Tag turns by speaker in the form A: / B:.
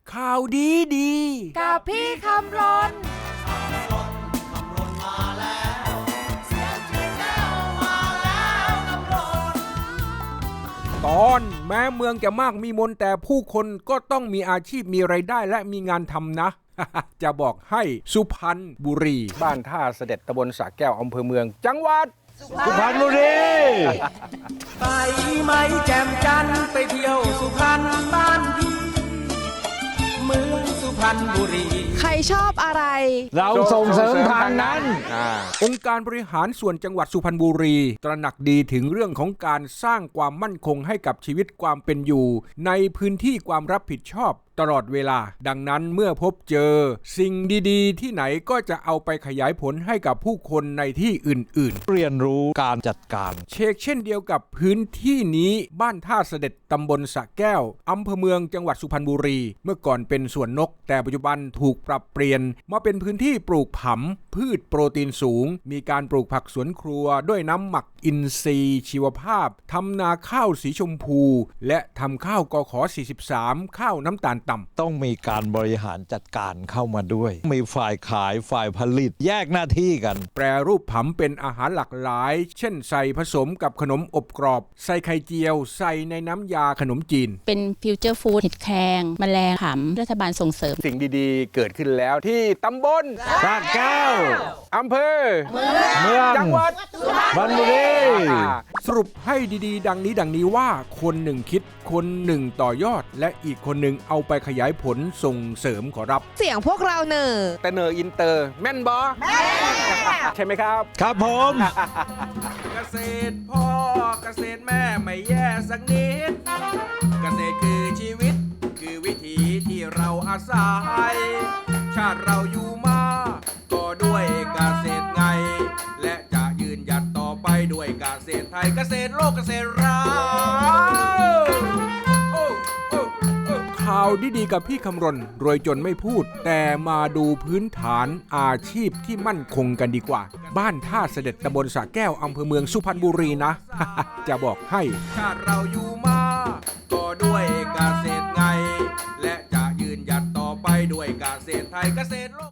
A: ข่าวดีดี
B: กับพี่คำรน
A: ตอนแม้เมืองจะมากมีมนแต่ผู้คนก็ต้องมีอาชีพมีไรายได้และมีงานทำนะ จะบอกให้สุพรรณบุรีบ้านท่าเสด็จตำบลสระแก้วอำเภอเมืองจังหวัด
C: สุพรรณบุรี
D: ไปไหมแจ่มจันทร์ไปเที่ยวสุพรรณบ้านพี่เมืองสุพรรณบุรี
B: ใครชอบอะไร
C: เราส่งเสริมทางนั้น
A: องค์การบริหารส่วนจังหวัดสุพรรณบุรีตระหนักดีถึงเรื่องของการสร้างความมั่นคงให้กับชีวิตความเป็นอยู่ในพื้นที่ความรับผิดชอบตลอดเวลาดังนั้นเมื่อพบเจอสิ่งดีๆที่ไหนก็จะเอาไปขยายผลให้กับผู้คนในที่อื่น
C: เรียนรู้การจัดการ
A: เช่นเดียวกับพื้นที่นี้บ้านท่าเสด็จตำบลสระแก้วอำเภอเมืองจังหวัดสุพรรณบุรีเมื่อก่อนเป็นสวนนกแต่ปัจจุบันถูกปรับเปลี่ยนมาเป็นพื้นที่ปลูกผำพืชโปรตีนสูงมีการปลูกผักสวนครัวด้วยน้ำหมักอินทรีย์ชีวภาพทำนาข้าวสีชมพูและทำข้าวกข43ข้าวน้ำตาลต่ำ
C: ต้องมีการบริหารจัดการเข้ามาด้วยมีฝ่ายขายฝ่ายผลิตแยกหน้าที่กัน
A: แปรรูปผำเป็นอาหารหลากหลายเช่นใส่ผสมกับขนมอบกรอบใส่ไข่เจียวใส่ในน้ำยาขนมจีน
B: เป็นฟิวเจอร์ฟู้ดเห็ดแครงแมลงผำรัฐบาลส่งเสริม
A: สิ่งดีๆเกิดขึ้นแล้วที่ตำบล
C: สระแก้ว
A: อำเภอ
C: เมือง
A: จังหวัด
C: สุพรรณบุรี
A: สรุปให้ดีๆดังนี้ว่าคนหนึ่งคิดคนหนึ่งต่อยอดและอีกคนหนึ่งเอาไปขยายผลส่งเสริมขอรับ
B: เสียงพวกเราเนอ
A: แต่เนออินเตอร์แม่นบอแม่ใช่ไหมครับ
C: ครับผม
A: เกษตรพ่อเกษตรแม่ไม่แย่สักนิดเกษตรคือชีวิตคือวิถีที่เราอาศัยชาติเราอยู่มาก็ด้วยเกษตรไงและจะยืนหยัดต่อไปด้วยเกษตรไทยเกษตรโลกเกษตรเราข่าวดีๆกับพี่คำรณรวยจนไม่พูดแต่มาดูพื้นฐานอาชีพที่มั่นคงกันดีกว่าบ้านท่าเสด็จตำบลสระแก้วอำเภอเมืองสุพรรณบุรีนะ จะบอกให้ชาติเราอยู่มาก็ด้วยเกษตรไงและจะยืนหยัดต่อไปด้วยเกษตรไทยเกษตรโลก